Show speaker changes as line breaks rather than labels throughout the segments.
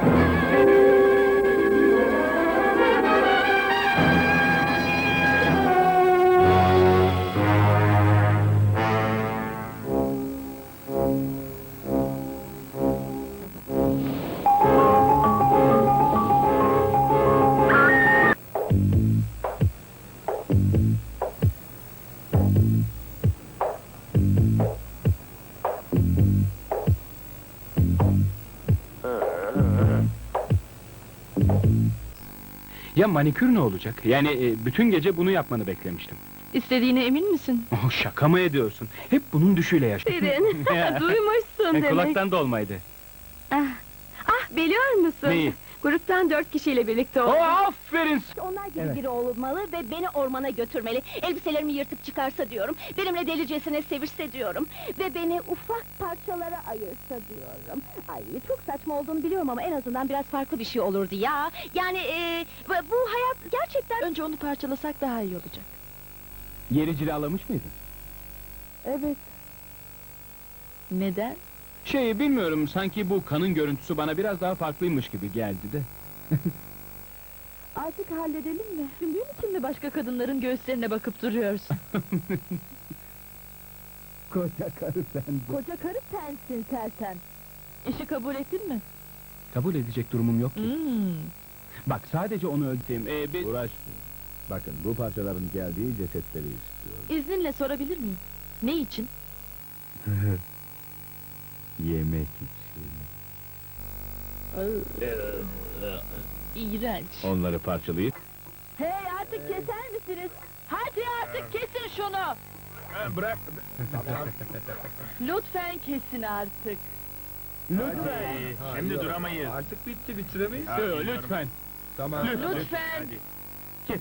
Ya manikür ne olacak? Yani bütün gece bunu yapmanı beklemiştim.
İstediğine emin misin?
Oh, şaka mı ediyorsun? Hep bunun düşüyle yaşadım.
Şirin, duymuşsun demek.
Kulaktan dolmaydı.
Biliyor musun?
Neyi?
Gruptan 4 kişiyle birlikte
Oh,
olduk.
aferin!
Onlar gibi
Evet.
biri olmalı ve beni ormana götürmeli. Elbiselerimi yırtıp çıkarsa diyorum. Benimle delicesine sevişse diyorum. Ve beni ufak parçalara ayırsa diyorum. Ay çok saçma olduğunu biliyorum ama en azından biraz farklı bir şey olurdu ya. Yani bu hayat gerçekten...
Önce onu parçalasak daha iyi olacak.
Yeri cilalamış mıydın?
Evet. Neden?
Bilmiyorum, sanki bu kanın görüntüsü bana biraz daha farklıymış gibi geldi de.
Artık halledelim mi? Düşündüğün için mi başka kadınların göğüslerine bakıp duruyorsun?
Koca karı sendin.
Koca karı sensin Sersen.
İşi kabul ettin mi?
Kabul edecek durumum yok ki. Bak, sadece onu öldüreyim.
Uğraşmayın. Bakın, bu parçaların geldiği cesetleri istiyorum.
İzninle sorabilir miyim? Ne için?
Yemek için.
İğrenç.
Onları parçalayıp...
Hey, artık keser misiniz? Hadi artık kesin şunu!
Bırak!
Lütfen kesin artık.
Şimdi duramayız.
Artık bitti, bitiremeyiz.
Lütfen.
Tamam.
Lütfen.
Kes.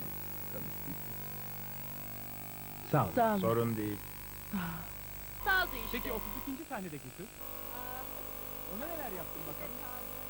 Sağ ol.
Sağ olun.
Sorun değil.
Saldı işte.
Peki 32. sahnedeki kız? Ona neler yaptın bakalım?